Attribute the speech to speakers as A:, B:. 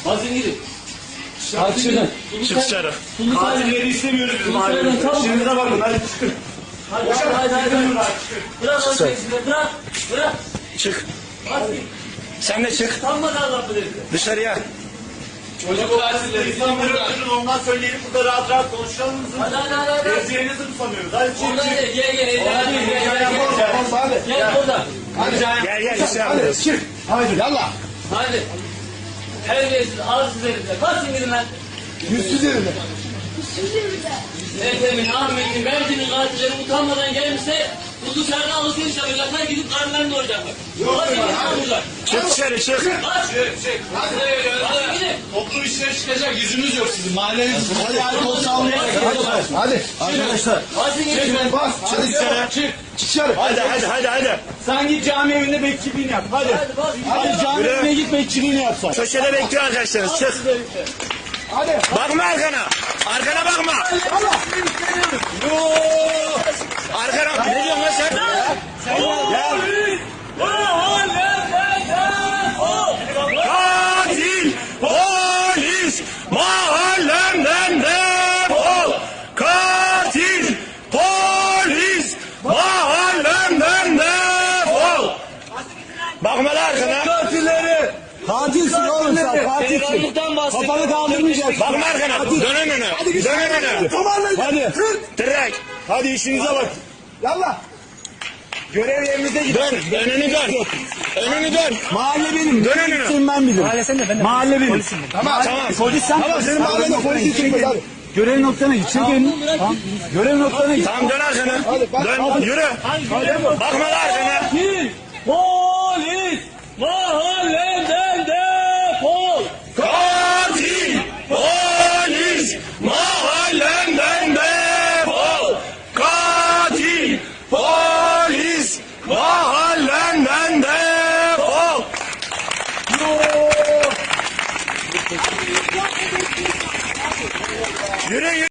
A: Hazır gidin.
B: Hadi şuradan.
C: Çık dışarı.
B: Katilleri istemiyoruz biz mahallede. Şurada bakın hadi çıkın.
A: Hadi. Bırak o şeysini, bırak.
C: Çık.
A: Hadi.
C: Sen de çık.
A: Sanmadan Allah bilir.
C: Dışarıya.
B: Çocuk katilleri İstanbul'da ondan söyleyelim burada rahat rahat konuşalım mı?
A: Hadi.
B: Ezberinizi mi sanıyoruz? Hadi çık
A: Oradan
B: çık.
A: gel. Gel buradan.
C: Gel işte yapıyoruz.
B: Çık. Haydi yallah.
A: Hadi. Terbiyesiz, arsız herifler. Kaçın gidin lan.
B: Yüzsüz herifler.
A: Ethem'in, Ahmet'in, Mert'in katilleri utanmadan gelmişse bu dışarıda alışveriş yapacaklar, gidip karnlarını doyacaklar. Hadi gidin buradan.
C: Çık dışarı çık.
A: Hadi gidin.
B: Toplum işine çıkacak yüzünüz yok sizin. Mahalleniz hadi kol sağlıyor. Hadi arkadaşlar.
A: Hadi gidin.
B: Bas.
C: Çık dışarı.
B: Çık dışarı.
C: Hadi.
B: Sen git cami evinde bekçiliğini yap. Hadi. Hadi cami
C: Yürü.
B: evine git bekçiliğini yap sen.
C: Köşede bekliyor arkadaşlarınız. Çık.
B: Hadi.
C: Bakma arkana. Arkana bakma. Arkana. Ne diyorsun lan sen? Gel. Katil polis mahallemden defol. Katil polis mahallemden defol. Bakma lan arkana.
B: Katilleri. Katilsin oğlum sen katilsin.
A: Karanlıktan bahsediyor.
B: Kafanı kaldırmayacaksın.
C: Bakma arkana. Dön önüne. Dön önüne.
B: Hadi.
C: Direkt.
B: Hadi işinize bak. Yallah. Görev yerinize gidin.
C: Dön. Önünü dön. Önünü dön.
B: Mahalle benim.
C: Dön önüne.
B: Gitsin ben bilirim.
D: Mahalle sen de ben de.
B: Mahalle benim.
D: Tamam.
C: Tamam.
B: Polis sen. Tamam senin mahallede polis için. Görev noktana git. Çek elini. Tamam. Görev noktana git.
C: Tamam dön arkana. Dön. Yürü. Bakma lan arkana.
A: Katil polis mahallemden defol.
C: Katil polis mahallemden defol. Katil polis mahallemden defol. Yürü.